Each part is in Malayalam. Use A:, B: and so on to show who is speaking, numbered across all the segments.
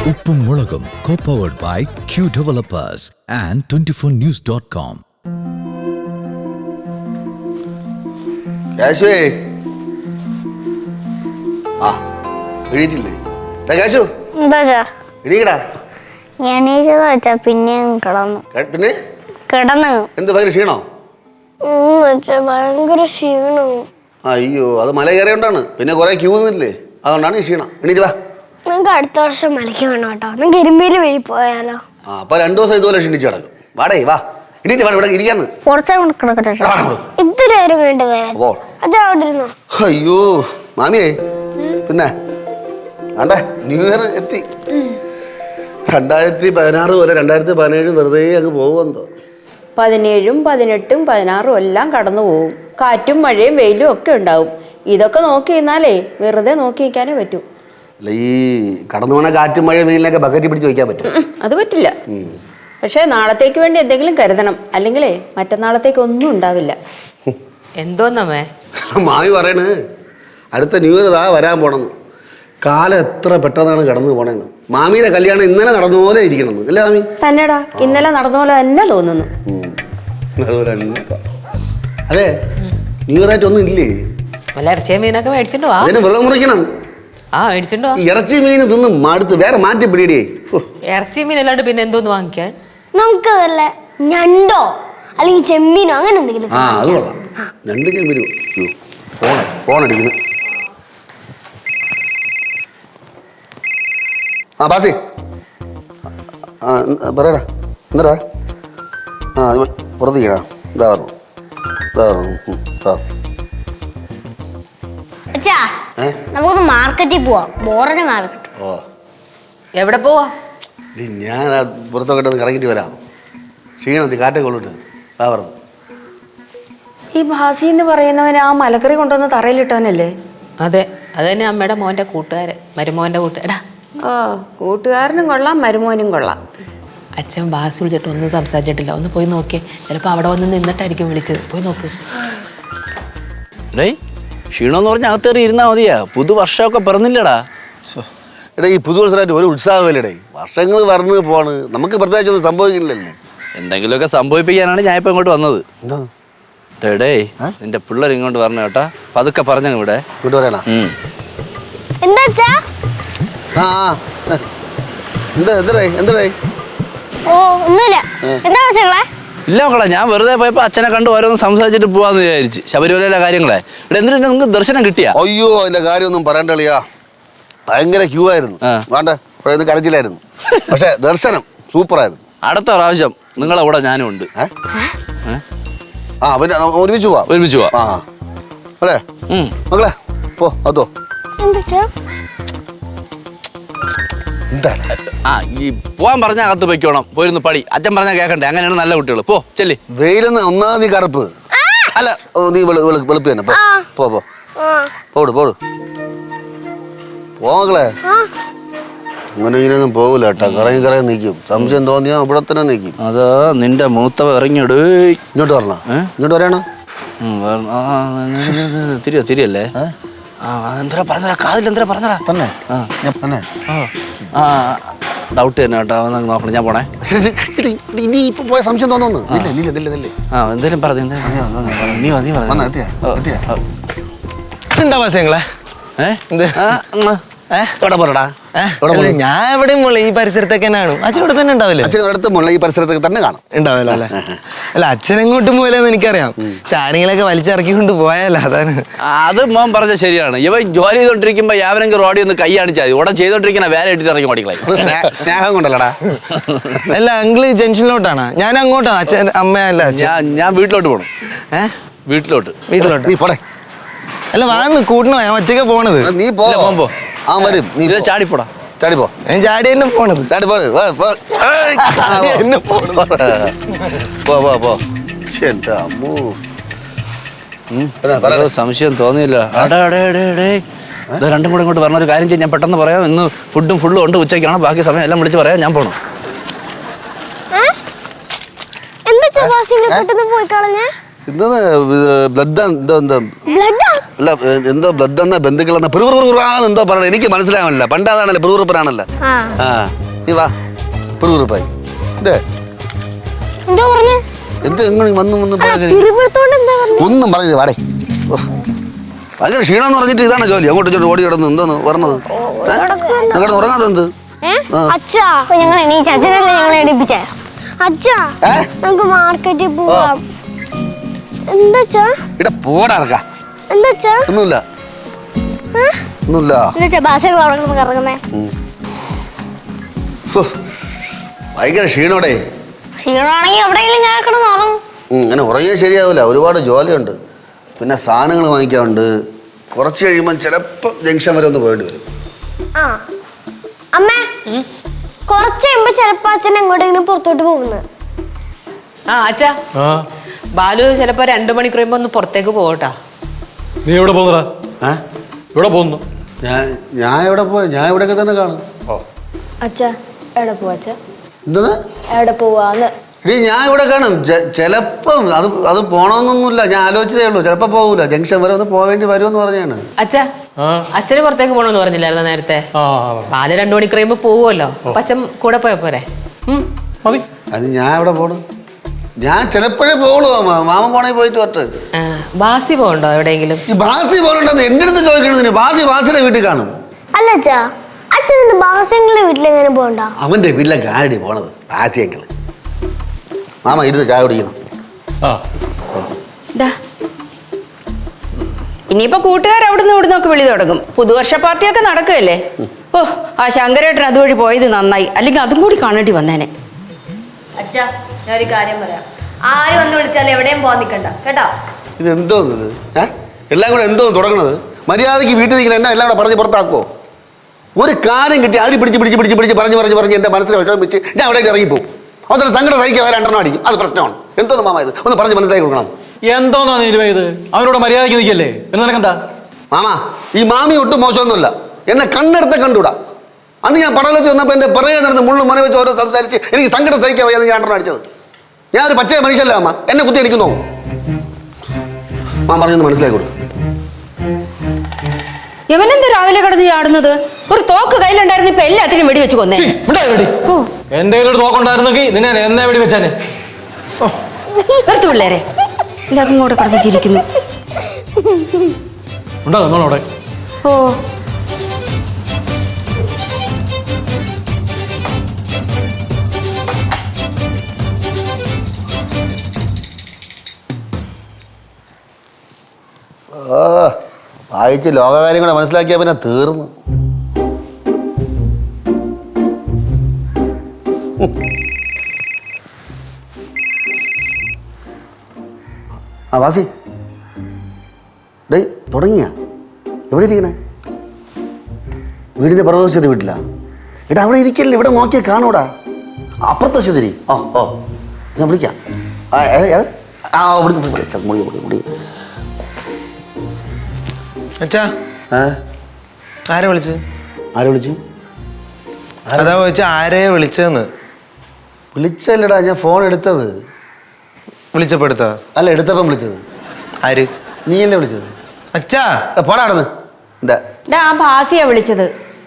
A: ഉപ്പും മുളകും co-powered by Q Developers and 24news.com.
B: കാശുവേ ആ എണീറ്റില്ലേ കാശു എണീക്കടാ.
C: പിന്നെ
B: പിന്നെ
C: കിടന്നു
B: എന്ത് ഭയങ്കര ക്ഷീണോ?
C: ഭയങ്കര ക്ഷീണവും.
B: അയ്യോ അത് മല കയറിയോണ്ടാണ്, പിന്നെ കുറെ ക്യൂ നിന്നില്ലേ, അതുകൊണ്ടാണ് ഈ ക്ഷീണം. എണീറ്റ് വാ.
C: നിങ്ങൾക്ക് അടുത്ത വർഷം മലയ്ക്ക് വേണം കേട്ടോ. നിങ്ങൾക്ക് എരുമേലി വഴി പോയാലോ?
B: ആ അപ്പൊ 2 ദിവസം ഇതുപോലെ ക്ഷീണിച്ച് കിടക്കും. വാടേ വാ, എണീറ്റ് വാ, ഇവിടെ ഇരിക്കാന്ന്.
C: ഇത്ര നേരം വേണ്ടി വരാൻ. അച്ഛൻ അവിടെ ഇരുന്നോ?
B: അയ്യോ മാമിയേ, പിന്നെ വേണ്ടേ ന്യൂ ഇയർ എത്തി. 2016 പോലെ 2017 വെറുതെ അങ്ങ് പോകുമെന്തോ.
D: 17, 18, 16 എല്ലാം കടന്നു പോകും. കാറ്റും മഴയും വെയിലും ഒക്കെ ഉണ്ടാവും. ഇതൊക്കെ നോക്കി നിന്നാലേ വെറുതെ നോക്കി നിൽക്കാനേ പറ്റൂ.
B: അല്ല ഈ കടന്നു പോണ കാറ്റും മഴയും വെയിലിനൊക്കെ ബക്കറ്റ് പിടിച്ച് വയ്ക്കാൻ പറ്റും?
D: അത് പറ്റില്ല. പക്ഷേ നാളത്തേക്ക് വേണ്ടി എന്തെങ്കിലും കരുതണം, അല്ലെങ്കിലേ മറ്റന്നാളത്തേക്ക് ഒന്നും ഉണ്ടാവില്ല.
E: എന്തോന്നമ്മേ
B: മാമി പറയണ് അടുത്ത ന്യൂ ഇയർ വരാൻ പോണെന്ന്. കാലം എത്ര പെട്ടെന്നാണ് കടന്നു പോണേന്ന്. മാമിയുടെ കല്യാണം ഇന്നലെ നടന്ന പോലെ ഇരിക്കണമെന്ന് അല്ലേ മാമി?
D: തന്നെടാ, ഇന്നലെ നടന്ന പോലെ തന്നെ തോന്നുന്നു.
B: അതുപോലെ അതെ, ന്യൂ ഇയർ ആയിട്ട് ഒന്നും ഇല്ലേ?
E: വല്ല ഇറച്ചിയും മീനൊക്കെ മേടിച്ചിട്ടോ?
B: അതിന് വ്രതം മുറിക്കണം.
E: മേടിച്ചിട്ടോ?
B: ഇറച്ചി മീൻ തിന്ന് മടുത്ത് വേറെ മാറ്റി പിടിയേ.
E: ഇറച്ചി മീൻ അല്ലാണ്ട് പിന്നെ എന്തോന്ന് വാങ്ങിക്കാൻ?
C: നമുക്ക് വല്ല ഞണ്ടോ അല്ലെങ്കിൽ ചെമ്മീനോ അങ്ങനെ എന്തെങ്കിലും.
B: അത് കൊള്ളാം. 2 ചെമ്മീൻ. ഫോൺ അടിക്കുന്നു. ബാസി പറയടാ, എന്താ പുറത്തേക്കടാ. ഇതാ പറഞ്ഞു
C: നമുക്ക് മാർക്കറ്റിൽ പോവാം. ബോറടി മാർക്കറ്റ്.
B: ഓ
E: എവിടെ പോവാ?
B: ഞാൻ പുറത്തൊക്കെ ഒന്ന് കറങ്ങിട്ട് വരാം. ക്ഷീണം കാറ്റൊക്കെ കൊള്ളിട്ട്. ഇതാ പറഞ്ഞു.
D: ഈ ഭാസി എന്ന് പറയുന്നവന് ആ മലക്കറി കൊണ്ടുവന്ന് തറയിലിട്ടവനല്ലേ?
E: അതെ, അത് തന്നെ അമ്മയുടെ മോൻ്റെ കൂട്ടുകാരൻ, മരുമോൻ്റെ കൂട്ടുകാരാ.
D: ഓ, കൂട്ടുകാരനും കൊള്ളാം, മരുമോനും കൊള്ളാം.
E: അച്ഛൻ ബാസ് വിളിച്ചിട്ട് ഒന്നും സംസാരിച്ചിട്ടില്ല. ഒന്ന് പോയി നോക്കിയേ, ചിലപ്പോൾ അവിടെ വന്ന് നിന്നിട്ടായിരിക്കും വിളിച്ചത്. പോയി നോക്ക്.
F: ക്ഷീണമെന്ന് പറഞ്ഞാൽ അകത്തേറി ഇരുന്നാ മതിയാ. പുതുവർഷമൊക്കെ പിറന്നില്ലടാ.
B: എടാ ഈ പുതുവർഷമായിട്ട് ഒരു ഉത്സാഹമില്ലടേ. വർഷങ്ങൾ പറഞ്ഞു പോണ്, നമുക്ക് പ്രത്യേകിച്ചൊന്നും സംഭവിക്കില്ലല്ലേ.
F: എന്തെങ്കിലുമൊക്കെ സംഭവിപ്പിക്കാനാണ് ഞാൻ ഇപ്പം ഇങ്ങോട്ട് വന്നത്. ഡേ നിന്റെ പിള്ളേർ ഇങ്ങോട്ട് പറഞ്ഞു കേട്ടാ, പതുക്കെ പറഞ്ഞു ഇവിടെ
B: ഇങ്ങോട്ട് പറയണ.
C: എന്താ ഓ ഒന്നുമില്ല. എന്താ മക്കളെ?
F: ഇല്ല മക്കളെ, ഞാൻ വെറുതെ പോയപ്പോ അച്ഛനെ കണ്ട് ഓരോന്ന് സംസാരിച്ചിട്ട് പോവാന്ന് വിചാരിച്ച്. ശബരിമലയിലെ കാര്യങ്ങളെ ഇവിടെ എന്തിനാ നിങ്ങൾക്ക് ദർശനം കിട്ടിയാ?
B: അയ്യോ അതിന്റെ കാര്യമൊന്നും പറയണ്ടളിയാ. ഭയങ്കര ക്യൂ ആയിരുന്നു. വേണ്ട ഇവിടെ കരച്ചിലായിരുന്നു. പക്ഷെ ദർശനം സൂപ്പറായിരുന്നു.
F: അടുത്ത പ്രാവശ്യം നിങ്ങളെ കൂടെ ഞാനും ഉണ്ട്.
B: പിന്നെ ഒരുമിച്ച് പോവാ. അല്ലേ മക്കളെ? പോ അതോ
F: ഈ പോവാൻ പറഞ്ഞാൽ അകത്ത് പൊയ്ക്കോണം. പോയിരുന്നു പടി. അച്ഛൻ പറഞ്ഞാൽ കേൾക്കണ്ടേ? അങ്ങനെയാണ് നല്ല കുട്ടികൾ. പോ ചെല്ലി.
B: വെയിലെന്ന് ഒന്നാമത് കറുപ്പ് അല്ല, നീ വെളുപ്പ് തന്നെ. പോട് പോകളെ. അങ്ങനെ ഇങ്ങനെയൊന്നും പോകില്ല കേട്ടാ. കറങ്ങി നിൽക്കും. സംശയം തോന്നിയാ ഇവിടെ തന്നെ നിൽക്കും.
F: അത് നിന്റെ മൂത്തവ ഇറങ്ങിയിട്.
B: ഇങ്ങോട്ട് വരണ. ഇങ്ങോട്ട് വരണ.
F: തിരിയല്ലേ? എന്താ പറഞ്ഞടാ, കാതിൽ എന്താ പറഞ്ഞടാ? തന്നെ ഡൗട്ട് തന്നെ കേട്ടോ. നോക്കണം, ഞാൻ പോണേ.
B: ഇനി ഇപ്പൊ പോയ സംശയം തോന്നുന്നു.
F: എന്തേലും പറഞ്ഞു.
G: എന്താ പാസങ്ങളെ? ഞാൻ എവിടെയും മുള്ള ഈ പരിസരത്തൊക്കെ തന്നെയാണ്. അച്ഛൻ ഇവിടെ തന്നെ ഉണ്ടാവില്ലേ?
B: അച്ഛനടുത്ത് മുള്ള ഈ പരിസരത്തൊക്കെ തന്നെ കാണും.
G: ഉണ്ടാവില്ല അല്ലേ? അല്ല അച്ഛനെങ്ങോട്ടും പോലെന്ന് എനിക്കറിയാം. പക്ഷെ ആരെങ്കിലൊക്കെ വലിച്ചിറക്കിക്കൊണ്ട് പോയാലോ, അതാണ്.
F: അത് മോൻ പറഞ്ഞ ശരിയാണ്. ഇവൻ ജോലി ചെയ്തോണ്ടിരിക്കുമ്പോ യാവനെങ്കിൽ റോഡിൽ ഒന്ന് കൈ കാണിച്ചാൽ ഉടൻ ചെയ്തോണ്ടിരിക്കുന്ന വേറെ ഇട്ടിട്ട് ഇറങ്ങി ഓടിക്കളായി.
B: സ്നേഹം കൊണ്ടല്ലടാ.
G: അല്ല അങ്കിള് ജംഗ്ഷനിലോട്ടാണ്, ഞാൻ അങ്ങോട്ടാണ്. അച്ഛൻ അമ്മയല്ല.
F: ഞാൻ വീട്ടിലോട്ട് പോകണം. വീട്ടിലോട്ട്
B: നീ പോടെ.
G: അല്ല വാന്ന് കൂട്ടണോ? ഞാൻ ഒറ്റയ്ക്ക് പോണത്.
B: നീ പോ. വരും. നീ
F: ചാടിപ്പോടാ.
B: ചാടിപ്പോ.
G: ഞാൻ ചാടി തന്നെ പോണത്.
F: സംശയം തോന്നിയില്ല. രണ്ടും കൂടെ ഇങ്ങോട്ട് പറഞ്ഞൊരു കാര്യം ചെയ്യാൻ ഞാൻ പെട്ടെന്ന് പറയാം. ഇന്ന് ഫുള്ളും ഉണ്ട്. ഉച്ചയ്ക്കാണ്. ബാക്കി സമയം എല്ലാം വിളിച്ച് പറയാം. ഞാൻ പോണം.
C: എന്താ
B: ബ്ലഡ് അല്ല എന്തോ ബ്ലഡ് എന്ന ബന്ധുക്കളെന്ന പിറുപിറുപിറാന്ന് എന്തോ പറയണത് എനിക്ക് മനസ്സിലാവണില്ല. പണ്ടാതാണല്ലോ പിറുപിറുപ്പനാണല്ലോ. ആ നീ വാ പിറുപിറുപ്പായി ഇതേ
C: എന്തോ പറഞ്ഞു
B: എന്ത് എങ്ങനെ വന്നു ഒന്നും പറഞ്ഞത് വാടേ. ഭയങ്കര ക്ഷീണമെന്ന് പറഞ്ഞിട്ട് ഇതാണ് ജോലി. അങ്ങോട്ട് ഇങ്ങോട്ട് ഓടി കിടന്ന് എന്തോന്ന് പറഞ്ഞത്? കിടന്ന് ഉറങ്ങാതെ എന്ത്?
C: അച്ഛാ ഞങ്ങൾ എണീച്ച അച്ഛനല്ലേ ഞങ്ങളെ എണീപ്പിച്ചേ. അച്ഛാ നമുക്ക് മാർക്കറ്റിൽ പോവാം. എന്താ
B: ഇവിടെ പോടാ ഇറക്കാ.
C: എന്താ
B: ഒന്നുമില്ല ഒന്നുമില്ല.
C: എന്താ ഭാഷകൾ അവിടെ കിടക്കുന്നേ?
B: ഭയങ്കര ക്ഷീണോടെ.
C: ക്ഷീണമാണെങ്കിൽ എവിടെയെങ്കിലും ഞാൻ കിടന്ന് ഉറങ്ങും.
B: അങ്ങനെ ഉറങ്ങിയാൽ ശരിയാവില്ല. ഒരുപാട് ജോലിയുണ്ട്. പിന്നെ സാധനങ്ങൾ വാങ്ങിക്കാറുണ്ട്. കുറച്ച് കഴിയുമ്പോൾ ചിലപ്പോൾ ജംഗ്ഷൻ വരെ ഒന്ന് പോയിട്ട് വരും.
C: ആ അമ്മ കുറച്ച് കഴിയുമ്പോ ചിലപ്പോ അച്ഛൻ എങ്ങോട്ടെങ്കിലും പുറത്തോട്ട് പോകുന്നത്.
E: ആ അച്ഛാ ബാലു ചിലപ്പോ 2 മണിക്കൂർ കഴിയുമ്പോ ഒന്ന് പുറത്തേക്ക് പോകട്ടാ.
H: നീ എവിടെ പോകുന്നടാ? എവിടെ പോകുന്നു?
B: ഞാൻ എവിടെ പോയി? ഞാൻ ഇവിടെയൊക്കെ തന്നെ കാണും.
C: അച്ഛാ എവിടെ പോവാ? അച്ഛാ
B: എന്താ
C: എവിടെ പോവാന്ന്?
B: ഇനി ഞാൻ ഇവിടെ കാണും. ചിലപ്പം അത് പോണമെന്നൊന്നുമില്ല. ഞാൻ ആലോചിച്ചതേ ഉള്ളൂ. ചിലപ്പോൾ പോകൂല. ജംഗ്ഷൻ വരെ ഒന്ന് പോവേണ്ടി വരുമെന്ന് പറഞ്ഞാണ്.
E: അച്ഛാ അച്ഛന് പുറത്തേക്ക് പോകണമെന്ന് പറഞ്ഞില്ലായിരുന്നു നേരത്തെ? ബാലു 2 മണിക്കൂർ കഴിയുമ്പോ പോവുമല്ലോ. അപ്പൊ അച്ഛൻ കൂടെ പോയ പോരെ?
H: മതി.
B: അത് ഞാൻ എവിടെ പോകണം? ഞാൻ ചിലപ്പോഴേ പോകുള്ളൂ. മാമൻ പോണേ പോയിട്ട് വരട്ടെ.
E: ബാസി പോകണ്ടോ എവിടെയെങ്കിലും?
B: ഈ ബാസി പോകണ്ടെന്ന് എൻ്റെ അടുത്ത് ചോദിക്കണതിന്. ബാസിയുടെ വീട്ടിൽ കാണും.
C: അല്ല അച്ഛാ അച്ഛൻ ബാസിയുടെ വീട്ടിലെങ്ങനെ പോകണ്ട?
B: അവൻ്റെ വീട്ടിലേക്ക് ആരടി പോണത്? ബാസിയെങ്കിൽ മാമ ഇരുന്ന് ചായ കുടിക്കണം.
D: ഇനിയിപ്പോ കൂട്ടുകാർ അവിടുന്ന് ഇവിടുന്നൊക്കെ വിളി തുടങ്ങും. പുതുവർഷ പാർട്ടിയൊക്കെ നടക്കുകയല്ലേ. ഓ ആ ശങ്കരേട്ടൻ അതുവഴി പോയത് നന്നായി. അല്ലെങ്കിൽ അതും കൂടി കാണേണ്ടി വന്നേനെ.
I: അച്ഛാ ഞാൻ ഒരു കാര്യം പറയാം. ആര് വന്ന് വിളിച്ചാലും എവിടെയും പോകാൻ നിൽക്കണ്ട കേട്ടോ.
B: ഇത് എന്തോന്നത്? എല്ലാം കൂടെ എന്തോ തുടങ്ങണത്? മര്യാദയ്ക്ക് വീട്ടിൽ നിൽക്കണ എന്നെ എല്ലാം കൂടെ പറഞ്ഞ് പുറത്താക്കുമോ? ഒരു കാര്യം കിട്ടി അടി പിടിച്ച് പറഞ്ഞ് എൻ്റെ മനസ്സിൽ വിഷമം വെച്ച് ഞാൻ അവിടേക്ക് ഇറങ്ങിപ്പോവും. അവസരം സങ്കടം സഹിക്കാൻ വരെ 2 അടിക്കും. അത് പ്രശ്നമാണ്. എന്തോന്ന് മാമ ഇത്? ഒന്ന് പറഞ്ഞ് മനസ്സിലാക്കി കൊടുക്കണം.
H: എന്തോന്നാ നീ ഇത്? അവനോട് മര്യാദയ്ക്ക് നിൽക്കല്ലേ? എന്ന് നിനക്കെന്താ?
B: മാമ ഈ മാമി ഒട്ടും മോശമൊന്നുമല്ല. എന്നെ കണ്ണെടുത്ത് കണ്ടുകൂടാ. അന്ന് ഞാൻ പടലത്തിൽ വന്നപ്പോൾ എൻ്റെ പിറകെ നടന്ന് മുള്ളു മന വെച്ച് ഓരോ സംസാരിച്ച് എനിക്ക് സങ്കടം സഹിക്കാൻ വയ്യാതെ ഞാൻ 2 അടിച്ചത്. ഞാനൊരു പച്ചയ മനുഷ്യല്ല അമ്മ. എന്നെ കുത്തി അടിക്കുന്നു. മാം പറഞ്ഞൊന്ന് മനസ്സിലാക്കി കൊടുക്കും.
D: യവനെന്ത് രാവിലെ കിടന്ന് ചാടുന്നത്? ഒരു തോക്ക് കയ്യിലുണ്ടായിരുന്നു. ഇപ്പൊ എല്ലാത്തിനും വെടി വെച്ച് കൊന്നേ.
H: എന്റെ കയ്യിലൊരു തോക്കുണ്ടായിരുന്നെങ്കിൽ നിന്നെ എന്നെ വെടി വെച്ചാനെ.
D: നിർത്ത് പിള്ളേരെ. എല്ലാതും കൂടെ കിടന്ന് ചിരിക്കുന്നു.
H: ഉണ്ടോ നമ്മളവിടെ?
D: ഓ
B: വായിച്ച് ലോകകാര്യം കൂടെ മനസ്സിലാക്കിയാൽ പിന്നെ തീർന്നു. ആ വാസി ഡേ തുടങ്ങിയ എവിടെ ഇരിക്കണേ? വീടിൻ്റെ പ്രദോഷത്തെ വീട്ടിലാ? എടാ അവിടെ ഇരിക്കല്ലേ. ഇവിടെ നോക്കിയാൽ കാണൂടാ. അപ്പുറത്തെ ശരി. ഓ ഞാൻ വിളിക്കാം.
G: അച്ഛാ ആരെ വിളിച്ചു? അതാ ചോദിച്ചാ ആരെയാ വിളിച്ചതെന്ന്.
B: വിളിച്ചല്ലടാ, ഞാൻ ഫോൺ എടുത്തത്.
G: വിളിച്ചപ്പോ എടുത്താ?
B: അല്ല, എടുത്തപ്പം വിളിച്ചത്.
G: ആര്?
B: നീ അല്ലേ വിളിച്ചത്?
G: അച്ഛാ
B: പോടാടുന്ന്.
D: ആ ഭാസിയാ വിളിച്ചത്.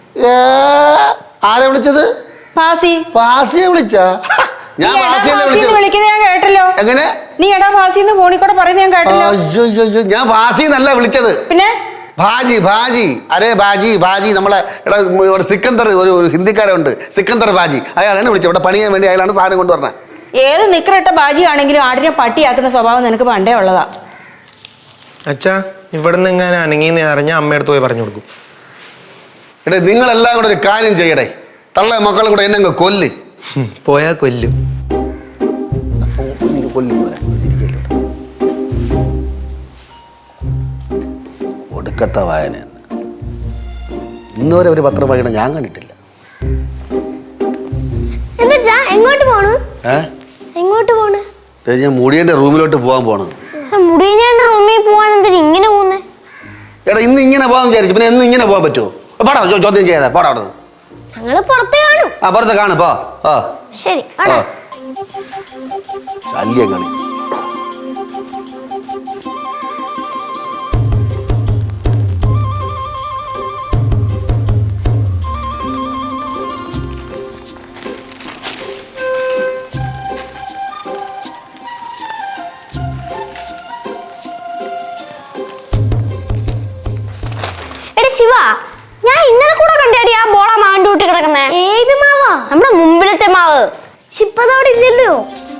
B: ആരെ വിളിച്ചത്? ഭാസിയെ വിളിച്ചാ? ഞാൻ
D: വിളിക്കുന്നത് ഞാൻ കേട്ടല്ലോ.
B: എങ്ങനെ?
D: നീ എടാ ഭാസിന്ന് ഫോണിൽ കൂടെ പറയുന്നത് ഞാൻ കേട്ടല്ലോ.
B: അയ്യോ ഞാൻ ഭാസിന്നല്ല വിളിച്ചത്.
D: പിന്നെ
B: ഭാജി അരേ ഭാജി നമ്മളെ ഇവിടെ സിക്കന്ദർ ഒരു ഹിന്ദിക്കാരുണ്ട്, സിക്കന്ദർ ഭാജി. അയാളാണ് വിളിച്ചത്. ഇവിടെ പണിയാൻ വേണ്ടി അയാളാണ് സാധനം കൊണ്ടുവരണേ.
D: ഏത് നിക്കറിട്ട ബാജി ആണെങ്കിലും ആടിനെ പട്ടിയാക്കുന്ന സ്വഭാവം നിനക്ക് പണ്ടേ ഉള്ളതാ.
G: അച്ഛാ ഇവിടെ നിന്ന് എങ്ങനെ അനങ്ങിന്ന് അറിഞ്ഞാൽ അമ്മയടുത്ത് പോയി പറഞ്ഞു കൊടുക്കും.
B: എടേ നിങ്ങളെല്ലാം കൂടെ ഒരു കാര്യം ചെയ്യടേ. തള്ള മക്കളും കൂടെ എന്നെ കൊല്ല്.
G: പോയാ കൊല്ലും.
B: ഒടുക്കത്ത വായന. ഇന്നുവരെ ഒരു പത്രം വായന ഞാൻ കണ്ടിട്ടില്ല.
C: എങ്ങോട്ട് പോണ്?
B: ഞാൻ മുടിയന്റെ റൂമിലോട്ട് പോകാൻ പോണ്.
C: മുടിയന്റെ റൂമിൽ പോവാൻ എന്തിനാ ഇങ്ങനെ പോകുന്നേ?
B: എടാ ഇന്ന് ഇങ്ങനെ പോകാൻ വിചാരിച്ചു. പിന്നെ എന്നും ഇങ്ങനെ പോകാൻ പറ്റുമോ? പാടാ ചോദ്യം ചെയ്യാതെ പാടാ. അവിടെ
C: ഞങ്ങള് പുറത്ത് കാണും.
B: പുറത്ത് കാണും.
C: ശരി.
B: ശല്യം കാണി.
C: അവിടെ ഇല്ലല്ലോ.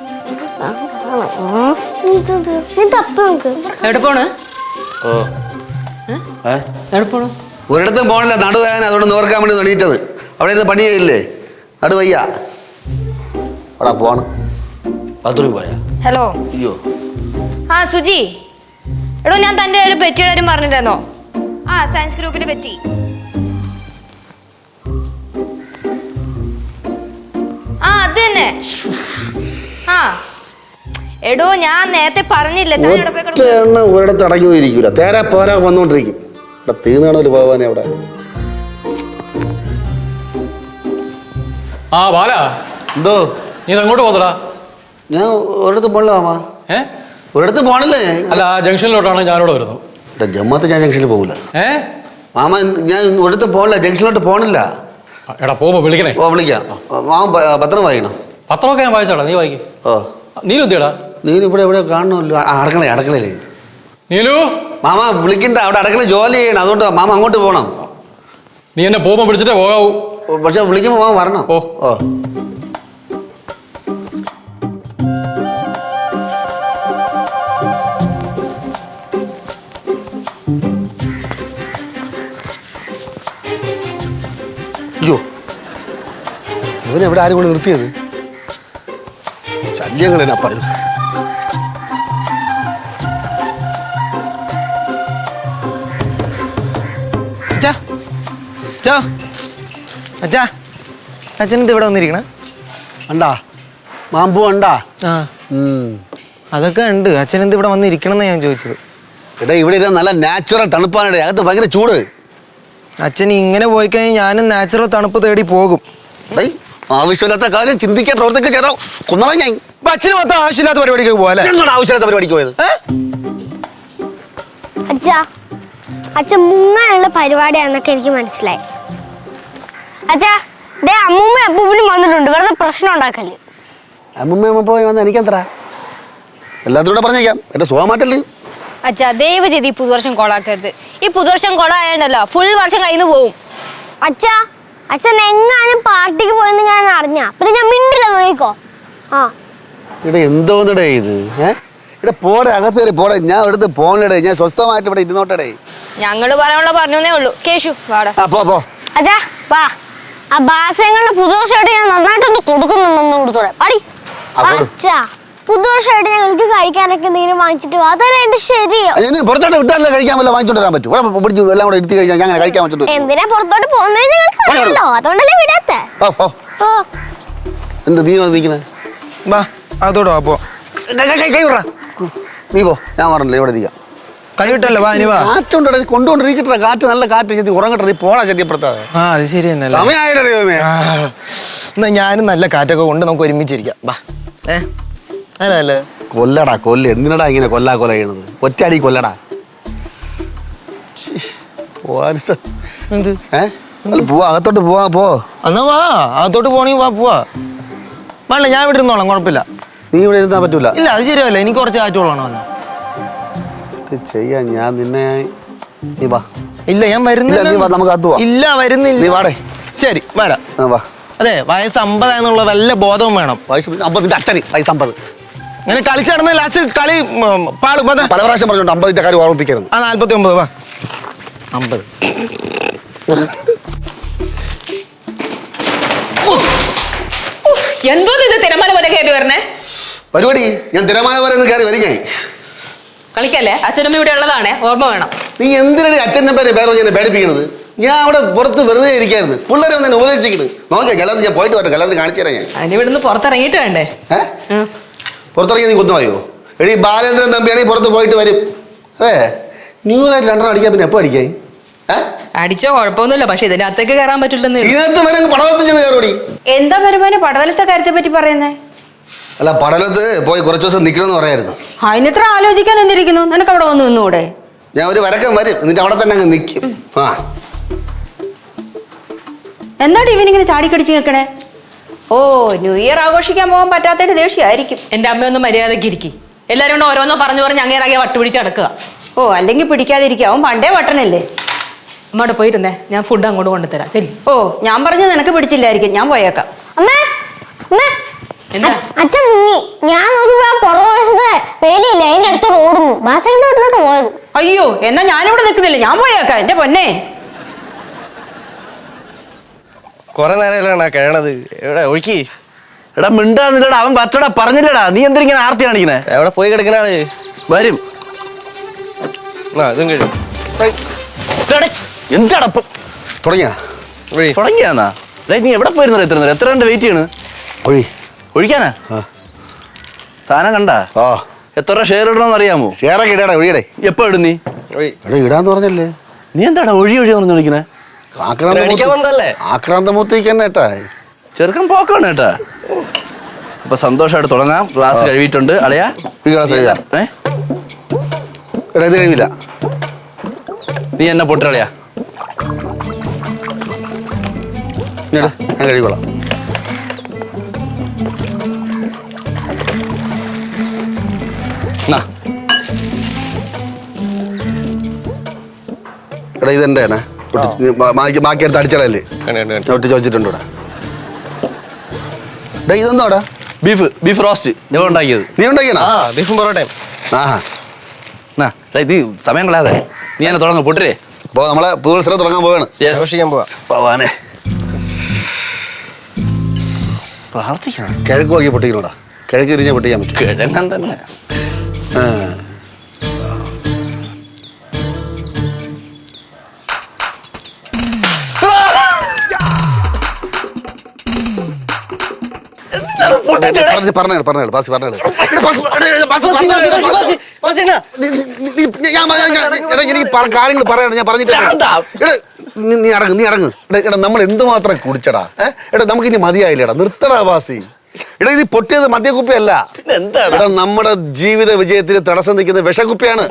C: നീ തപ്പ് നോക്ക്.
E: എവിടെ പോണ്?
B: ഓ
E: എവിടെ പോണു?
B: ഒരിടത്തും പോണില്ല, നടുവേദന, അതുകൊണ്ട് നോർക്കാൻ വേണ്ടി എണീറ്റത്. അവിടെ ഇരുന്ന് പണി ചെയ്യില്ലേ, നടുവയ്യ. അവിടെ പോണ്. ബാത്റൂമിൽ പോയാ?
I: ഹലോ.
B: അയ്യോ.
I: ആ സുജി, എടോ ഞാൻ തന്റെ ഒരു പെറ്റിയുടെ കാര്യം പറഞ്ഞില്ലായിരുന്നോ? ആ സയൻസ് ഗ്രൂപ്പിനെ പറ്റി. ആ അത് തന്നെ. ആ എടോ ഞാൻ നേരത്തെ പറഞ്ഞില്ലേ
B: ഒരിടത്ത് അടങ്ങി പോയിരിക്കൂല, തേരാ പോരാ വന്നോണ്ടിരിക്കും. ഇവിടെ തീർന്നാണോ പോവാനെ അവിടെ.
H: ആ ബാല,
B: എന്തോ
H: നീ അങ്ങോട്ട് പോതടാ.
B: ഞാൻ ഒരിടത്ത് പോണില്ല മാമാ. ഒരിടത്ത് പോണില്ലേ?
H: അല്ല, ആ ജംഗ്ഷനിലോട്ടാണ് ഞാനിവിടെ വരുന്നത്.
B: ജമ്മത്ത് ഞാൻ ജംഗ്ഷനിൽ പോകില്ല മാമ. ഞാൻ ഒരിടത്ത് പോണില്ല, ജംഗ്ഷനിലോട്ട് പോണില്ല.
H: എടാ പോകുമ്പോ വിളിക്കണേ.
B: ഓ വിളിക്കാം. മാമ പത്രം വായിക്കണം.
H: പത്രമൊക്കെ ഞാൻ വായിച്ചാടാ, നീ വായിക്കും.
B: ഓ
H: നീലു എന്തിയടാ?
B: നീನು ഇവിടെ എവിടെ കാണണമല്ലോ. അടുക്കളയില്ലേ
H: നീലു.
B: മാമ വിളിക്കണ്ട, അവിടെ അടുക്കള ജോലി ചെയ്യണം, അതുകൊണ്ട് മാമ അങ്ങോട്ട് പോകണം.
H: നീ എന്നെ പോകുമ്പോ വിളിച്ചിട്ടേ പോകാവൂ.
B: പക്ഷെ വിളിക്കുമ്പോ മാമ വരണം.
H: ഓ
B: ഓ അയ്യോ, ഇവനെവിടെ ആരും കൊണ്ട് നിർത്തിയത്? ശല്യങ്ങൾ തന്നെ അപ്പ ഇത്.
G: അച്ഛനെന്ത് ഇവിടെ വന്നിരിക്കണ?
B: ഉണ്ടാ മാമ്പൂ ഉണ്ടാ?
G: അതൊക്കെ ഉണ്ട്. അച്ഛനെന്ത് ഇവിടെ വന്നിരിക്കണമെന്ന് ഞാൻ ചോദിച്ചത്.
B: എടാ ഇവിടെ ഇരുന്ന് നല്ല നാച്ചുറൽ തണുപ്പാണ്, അകത്ത് ഭയങ്കര ചൂട്.
G: അച്ഛൻ ഇങ്ങനെ പോയി കഴിഞ്ഞാൽ ഞാനും നാച്ചുറൽ തണുപ്പ് തേടി പോകും.
B: ആവശ്യമില്ലാത്ത കാര്യം ചിന്തിക്കാൻ പ്രവർത്തിക്കുക ചെയ്തോ കൊന്നോളാം ഞാൻ.
G: അച്ഛന് മൊത്തം ആവശ്യമില്ലാത്ത പരിപാടിക്ക് പോകാല്ലേ?
B: എന്നോട് ആവശ്യമില്ലാത്ത പരിപാടിക്ക് പോയത്?
C: അച്ഛൻ മുങ്ങാനുള്ള പരിപാടിയാന്നൊക്കെ എനിക്ക് മനസ്സിലായി. അച്ഛാ ദേ അമ്മൂമ്മ അപ്പൂപ്പനും വന്നിട്ടുണ്ട്, വെറുതെ പ്രശ്നം ഉണ്ടാക്കല്ലേ.
B: അമ്മൂമ്മ പോയി വന്ന് എനിക്കെന്തരാ? എല്ലാത്തിലൂടെ പറഞ്ഞേക്കാം, എന്റെ സുഖമാറ്റല്ലേ.
I: അച്ഛാ ദയവ് ചെയ്ത് ഈ പുതുവർഷം കൊളാക്കരുത്. ഈ പുതുവർഷം കൊളായണ്ടല്ലോ ഫുൾ വർഷം കയ്യിൽ നിന്ന് പോവും.
C: അച്ഛൻ എങ്ങാനും പാർട്ടിക്ക് പോയെന്ന് ഞാൻ അറിഞ്ഞ പിന്നെ ഞാൻ മിണ്ടില്ല, നോക്കിക്കോ. ആ
B: ഇവിടെ എന്തോന്നിടേ ഇത്? ഇവിടെ പോടെ, അകത്ത് കയറി പോടെ. ഞാൻ ഇവിടുത്തെ പോണിടേ, ഞാൻ സ്വസ്ഥമായിട്ട് ഇവിടെ ഇരുന്നോട്ടടേ.
I: ഞങ്ങള് പറയാനുള്ള പറഞ്ഞേ ഉള്ളൂ. കേശു വാടാ.
B: പോ.
C: അച്ഛാ വാ, ആ ബാസ്യങ്ങളുടെ പുതുവർഷമായിട്ട് ഞാൻ നന്നായിട്ടൊന്ന് കൊടുക്കുന്നുണ്ടെന്ന് കൊടുത്തോടെ പാടി. അച്ഛാ പുതുവർഷമായിട്ട് ഞങ്ങൾക്ക് കഴിക്കാനൊക്കെ എന്തെങ്കിലും വാങ്ങിച്ചിട്ട് വാ, അതല്ല എന്റെ ശരിയോ?
B: പുറത്തോട്ട് വിട്ടാലേ കഴിക്കാൻ വല്ല വാങ്ങിച്ചോണ്ട് വരാൻ പറ്റും. പിടിച്ചു എല്ലാം കൂടെ എടുത്ത് കഴിക്കാൻ ഞാൻ കഴിക്കാൻ പറ്റും.
C: എന്തിനാ പുറത്തോട്ട് പോകുന്നത് ഞങ്ങൾക്ക് അറിയാലോ, അതുകൊണ്ടല്ലേ വിടാത്തെ.
B: എന്ത് നീ നിൽക്കണേ?
G: വാ അതോടോ അപ്പോ
B: നീ പോ, ഞാൻ പറഞ്ഞില്ല ഇവിടെ നിൽക്കാം.
G: കൈ വിട്ടല്ലോ. വാ ഇനി വാ.
B: കാറ്റുണ്ടോ കൊണ്ടുകൊണ്ടിരിക്കട്ടെ, കാറ്റ് നല്ല കാറ്റ്. നീ ഉറങ്ങട്ടെ, നീ പോടാ ചെത്തിയപ്പുറത്താ.
G: ആ അത് ശരി തന്നെ.
B: സമയമായില്ലേ ദൈവമേ.
G: എന്നാ ഞാനും നല്ല കാറ്റൊക്കെ കൊണ്ട് നമുക്ക് ഒരുമിച്ചിരിക്കാം. വാ. അതല്ലേ
B: കൊല്ലടാ കൊല്ല. എന്തിനടാ ഇങ്ങനെ കൊല്ല ചെയ്യണത്? ഒറ്റയടി കൊല്ലടാ.
G: എന്ത്
B: പോവാ, അകത്തോട്ട് പോവാ. പോ
G: എന്നാ വാ, അകത്തോട്ട് പോണെങ്കിൽ വാ, പോവാ. വേണ്ട ഞാൻ ഇവിടെ ഇരുന്നോളാം, കുഴപ്പമില്ല.
B: നീ ഇവിടെ ഇരുന്നാ പറ്റൂല.
G: ഇല്ല അത് ശരിയല്ല, എനിക്ക് കുറച്ച് കാറ്റുള്ളതാണോ
B: ചെയ്യാൻ. ഞാൻ നിന്നെ നീ വാ.
G: ഇല്ല ഞാൻ വരുന്നില്ല.
B: നമുക്ക് അകത്ത് പോവാം.
G: ഇല്ല വരുന്നില്ല.
B: നീ വാടേ.
G: ശരി വരാം.
B: വാ.
G: അതെ വയസ്സ് 50 എന്നുള്ള വല്ല ബോധവും വേണം.
B: വയസ്സ് 50 അച്ഛന് വയസ്സ് 50.
G: ഇങ്ങനെ കളിച്ച് നടന്ന ലാസ്റ്റ് കളി പാടും.
B: പല പ്രാവശ്യം പറഞ്ഞോണ്ട് 50 കാര്യം ഓർമ്മിപ്പിക്കരുത്.
G: ആ 49 വാ. 50
E: എന്തോ ഇത് തിരമാല പോലെ കയറി വരണേ
B: പരിപാടി. ഞാൻ തിരമാല പോലെ കയറി വരും. ഞാൻ
E: കളിക്കല്ലേ, അച്ഛനമ്മ ഇവിടെ ഉള്ളതാണേ, ഓർമ്മ വേണം.
B: നീ എന്തിനാണ് അച്ഛൻ്റെ പേരെ ഞാൻ പേടിപ്പിക്കണത്? ഞാൻ അവിടെ പുറത്ത് വെറുതെ ഇരിക്കായിരുന്നു. പിള്ളേരെ ഒന്ന് ഉപദേശിക്കണ്. നോക്കിയാ ഗലത്തിൽ ഞാൻ പോയിട്ട് വരട്ടെ, ഗലത്തിൽ കാണിച്ചു തരാം ഞാൻ.
E: അതിന് ഇവിടുന്ന് പുറത്തിറങ്ങിയിട്ട് വേണ്ടേ?
B: പുറത്തിറങ്ങി നീ കുത്തുവായോ? എടീ ബാലേന്ദ്രൻ തമ്പിയാണെങ്കിൽ പുറത്ത് പോയിട്ട് വരും. അതെ ന്യൂ ഇയറായിട്ട് 2 അടിക്കാൻ പിന്നെ എപ്പോ അടിക്കായി?
E: അടിച്ചോ കുഴപ്പമൊന്നുമില്ല, പക്ഷെ ഇതിനകത്തേക്ക് കയറാൻ പറ്റില്ലെന്ന്.
B: ഇതിനകത്ത് വരെ പടവലത്ത് ചെന്ന് കയറോടി.
D: എന്താ വരുമാനം പടവലത്തെ കാര്യത്തെ പറ്റി പറയുന്നേ?
B: അല്ല പടവലത്ത് പോയി കുറച്ച് ദിവസം നിൽക്കണമെന്ന് പറയായിരുന്നു.
D: അതിനെത്ര ആലോചിക്കാൻ എന്തിരിക്കുന്നു? നിനക്ക് അവിടെ വന്ന് നിന്നൂടെ?
B: ഞാൻ ഒരു വരക്കം വരും, എന്നിട്ട് അവിടെ തന്നെ അങ്ങ് നിൽക്കും.
D: എന്താ ഇവനിങ്ങനെ ചാടിക്കടിച്ച് നിൽക്കണേ? ഓ ന്യൂ ഇയർ ആഘോഷിക്കാൻ പോകാൻ പറ്റാത്തതിന്റെ ദേഷ്യമായിരിക്കും.
E: എന്റെ അമ്മയൊന്ന് മര്യാദയ്ക്ക് ഇരിക്കും. എല്ലാരും കൊണ്ട് ഓരോന്നോ പറഞ്ഞു അങ്ങേറാകെ വട്ടുപിടിച്ച് നടക്കുക.
D: ഓ അല്ലെങ്കിൽ പിടിക്കാതിരിക്കും. പണ്ടേ വട്ടനല്ലേ.
E: അമ്മയോട് പോയിരുന്നേ, ഞാൻ ഫുഡ് അങ്ങോട്ട് കൊണ്ടുതരാം. ചെല്ലി.
D: ഓ ഞാൻ പറഞ്ഞു നിനക്ക് പിടിച്ചില്ലായിരിക്കും, ഞാൻ പോയേക്കാം.
C: അമ്മേ അമ്മേ
E: എന്താ?
C: അച്ഛൻ മുങ്ങി. ഞാൻ നോക്കിയപ്പോ ആ പുറകുവശത്തെ വേലിയില്ല, അതിന്റെ അടുത്ത് ഓടുന്നു. ബാസയുടെ വീട്ടിലോട്ട് പോയത്.
D: അയ്യോ, എന്നാ ഞാനിവിടെ നിൽക്കുന്നില്ല, ഞാൻ പോയേക്കാം. എന്റെ പൊന്നെ,
G: കൊറേ നേരമല്ലാണ് കിഴണത്. എവിടെ ഒഴുക്കി?
F: എടാ മിണ്ടാന്നില്ലടാ, അവൻ പറ്റടാ പറഞ്ഞില്ലടാ. നീ എന്തിനാ ആർത്തി കാണിക്കണേ?
G: എവിടെ പോയി കിടക്കണാണ്?
F: വരും.
G: ഇതും കഴിയും.
F: എന്താടാ തുടങ്ങിയാന്നാ? നീ എവിടെ പോയിരുന്ന എത്ര കണ്ട് വെയിറ്റ് ചെയ്യണ്? ഒഴിക്കാനാ? സാധനം കണ്ടാ? എത്ര രൂപ ഷെയർ ഇടണമെന്ന് അറിയാമോ?
B: ഷെയറൊക്കെ ഇടാടാ, ഒഴിയടേ.
F: എപ്പോ ഇടും നീ?
B: ഇടാന്ന് പറഞ്ഞല്ലേ.
F: നീ എന്താടാ ഒഴി പറഞ്ഞു വിളിക്കണേ?
B: ആക്രാന്തമൂത്തേക്ക് തന്നെ ഏട്ടാ.
F: ചെറുക്കൻ പോക്കാണ് കേട്ടാ. അപ്പൊ സന്തോഷമായിട്ട് തുടങ്ങാം. ക്ലാസ് കഴിവിട്ടുണ്ട് അളയാ.
B: ഈ ഗ്ലാസ് കഴിയാ? എടാ ഇത് കഴിവില്ല.
F: നീ എന്നെ പൊട്ടളയാ.
B: ഞാൻ കഴിവോളാം. എടാ ഇതെന്റെ ബാക്കി എടുത്ത് അടിച്ചളല്ലേ ഒട്ടിച്ച് വെച്ചിട്ടുണ്ട് ഇവിടെ. ഇതെന്താടാ?
F: ബീഫ് റോസ്റ്റ് ഞാൻ ഉണ്ടാക്കിയത്.
B: നീ ഉണ്ടാക്കിയാ?
G: ബീഫും പൊറോട്ടയും.
F: ഇത് സമയം കളയാതെ നീ എന്നെ തുടങ്ങ പൊട്ടരേ.
B: അപ്പൊ നമ്മളെ പുതുവത്സരം തുടങ്ങാൻ പോവാണ്.
G: ആഘോഷിക്കാൻ
B: പോവാനേ.
F: പ്രാർത്ഥിക്കണം.
B: കിഴക്ക് നോക്കി പൊട്ടിക്കണോടാ. കിഴക്ക് തിരിഞ്ഞാൽ പൊട്ടിക്കാൻ പറ്റും.
F: കിഴങ്ങൻ തന്നെ.
B: കാര്യങ്ങൾ പറയണം. ഞാൻ പറഞ്ഞിട്ട് നീ അടങ്ങ്. എടാ നമ്മൾ എന്തുമാത്രം കുടിച്ചടാ. എടാ നമുക്ക് ഇനി മതിയായില്ലടാ. നിർത്തടാ ബാസി. എടാ ഇത് പൊട്ടിയത് മദ്യക്കുപ്പിയല്ല. എടാ നമ്മുടെ ജീവിത വിജയത്തിന് തടസ്സം നിൽക്കുന്ന വിഷക്കുപ്പിയാണ്.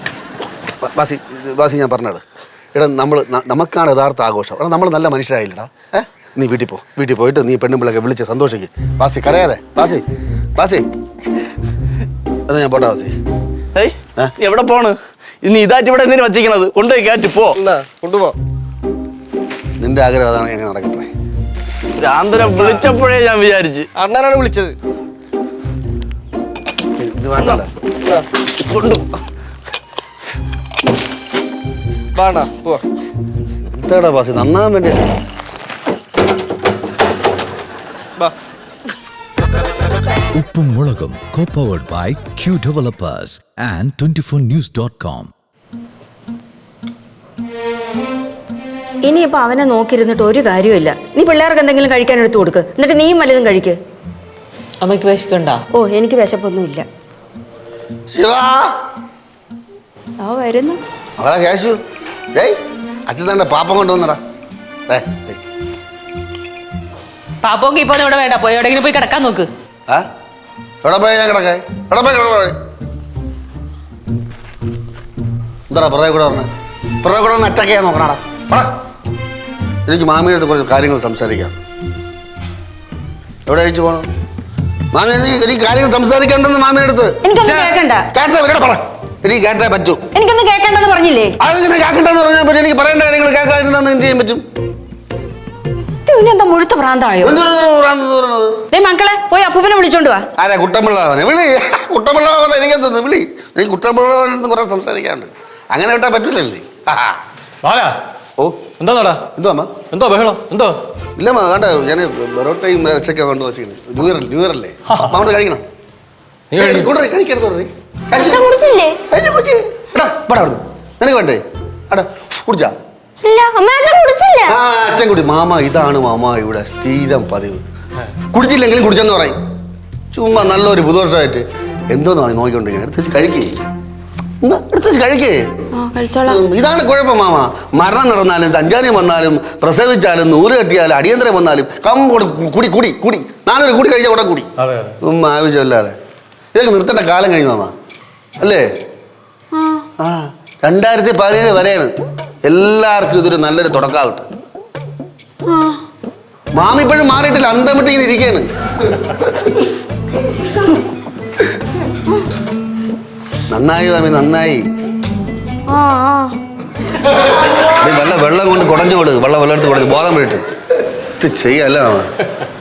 B: ബാസി ഞാൻ പറഞ്ഞത്. എടാ നമുക്കാണ് യഥാർത്ഥ ആഘോഷം. എടാ നമ്മൾ നല്ല മനുഷ്യരായില്ലടാ. നീ വീട്ടിൽ പോയിട്ട് നീ പെണ്ണുമ്പിളൊക്കെ വിളിച്ച് സന്തോഷിക്കും. ബാസി കരയാതെ. ബാസി അത് ഞാൻ പോട്ടെ. ബാസി
F: എവിടെ പോണ്? ഇനി ഇതായിട്ട് ഇവിടെ എന്തിനു വച്ചിരിക്കണത്? കൊണ്ടുപോയി കയറ്റി പോ.
G: കൊണ്ടുപോ.
B: നിന്റെ ആഗ്രഹം അതാണ്. എങ്ങനെ നടക്കട്ടെ?
F: രാന്തരം വിളിച്ചപ്പോഴേ ഞാൻ വിചാരിച്ചു.
G: അണ്ണനാണ് വിളിച്ചത്.
B: ഇത് വേണ്ട. എന്താടാ ബാസി നന്നാൻ വേണ്ടി?
A: ഉപ്പും മുളകും co-powered by Q Developers and 24news.com.
D: ഇനിയിപ്പോ അവനെ നോക്കിയിരുന്നിട്ട് ഒരു കാര്യമില്ല. നീ പിള്ളേർക്ക് എന്തെങ്കിലും കഴിക്കാൻ എടുത്തു കൊടുക്ക്. എന്നിട്ട് നീയും വല്ലതും കഴിക്ക്.
E: അമ്മയ്ക്ക് വിശക്കുണ്ടോ?
D: ഓ, എനിക്ക് വിശപ്പൊന്നുമില്ല. വരുന്നു
B: അവളെ കേശു. അച്ഛൻ തന്നെ പാപ്പം കൊണ്ടുവന്നടാ.
E: പാപ്പൊക്കെ ഇപ്പൊ ഇവിടെ വേണ്ട. പോയി എവിടെയെങ്കിലും പോയി കിടക്കാൻ നോക്ക്.
B: എവിടെ പോയി ഞാൻ കിടക്കേ? എന്താടാ പുറകെ കൂടെ പറഞ്ഞ അറ്റാക്ക് ചെയ്യാൻ നോക്കണടാ. എനിക്ക് മാമിയുടെ അടുത്ത് കുറച്ച് കാര്യങ്ങൾ സംസാരിക്കാം. എവിടെ അഴിച്ചു പോകണം? മാമി എനിക്ക് കാര്യങ്ങൾ സംസാരിക്കണ്ടെന്ന് മാമിയുടെ അടുത്ത്.
D: എനിക്കൊന്നും കേൾക്കണ്ട.
B: എനിക്ക് കേട്ടേ പറ്റൂ.
D: എനിക്കൊന്നും കേൾക്കണ്ടെന്ന് പറഞ്ഞില്ലേ?
B: അതെങ്ങനെ കേൾക്കണ്ടെന്ന് പറഞ്ഞാൽ പറ്റും? എനിക്ക് പറയേണ്ട കാര്യങ്ങൾ കേൾക്കാതിരുന്ന എന്ത് ചെയ്യാൻ പറ്റും?
D: എന്താ മുഴുത്ത ഭ്രാന്തായോ? മക്കളെ പോയി അപ്പൂപ്പനെ വിളിച്ചോണ്ട് വാ.
B: ആരാ? കുട്ടമ്പിള്ളവനെ വിളി. കുട്ടമ്പിള്ളവനെ എനിക്കെന്തോന്ന് വിളി. നീ കുട്ടമ്പിള്ളവനെന്ന് കുറെ സംസാരിക്കാണ്ട്. അങ്ങനെ വിട്ടാ പറ്റൂലല്ലേ? ഓ
H: എന്താടാ? എന്തോ ബഹളം എന്തോ?
B: ഇല്ല വേണ്ട. ഞാൻ പൊറോട്ടയും ഇറച്ചൊക്കെ കൊണ്ട് വെച്ചിരിക്കുന്നു. ന്യൂ ഇയർ അല്ലേ? അവിടെ കഴിക്കണം. നിനക്ക് വേണ്ടേ? കുടിച്ചാ? അച്ഛൻ കുടി. മാമ ഇതാണ് മാമ ഇവിടെ സ്ഥിരം പതിവ്. കുടിച്ചില്ലെങ്കിലും കുടിച്ചെന്ന് പറയും. ചുമ്മാ നല്ലൊരു പുതുവർഷമായിട്ട് എന്തോന്നാണ് നോക്കിക്കൊണ്ടിരിക്കുന്നത്. എടുത്ത് വെച്ച് കഴിക്കേ. ഇതാണ് കുഴപ്പം മാമ. മരണം നടന്നാലും സഞ്ചാരം വന്നാലും പ്രസവിച്ചാലും നൂല് കെട്ടിയാലും അടിയന്തരം വന്നാലും കുടി കുടി കുടി. നാളെ കൂടി കഴിച്ചാൽ കൂടെ കൂടി. ആവശ്യമില്ലാതെ ഇതൊക്കെ നിർത്തേണ്ട കാലം കഴിഞ്ഞു മാമ അല്ലേ? 2017 വരെയാണ്. എല്ലാവർക്കും ഇതൊരു നല്ലൊരു തുടക്കാവട്ടെ. മാമ ഇപ്പോഴും മാറിയിട്ടില്ല. അന്തമിട്ട് ഇങ്ങനെ ഇരിക്കുകയാണ്. നന്നായി മാമി നന്നായി. വെള്ളം കൊണ്ട് കുടഞ്ഞു കൊടു. വെള്ളം എടുത്ത് കുടഞ്ഞു ബോധം വീട്ട് ഇത് ചെയ്യല്ല മാമ.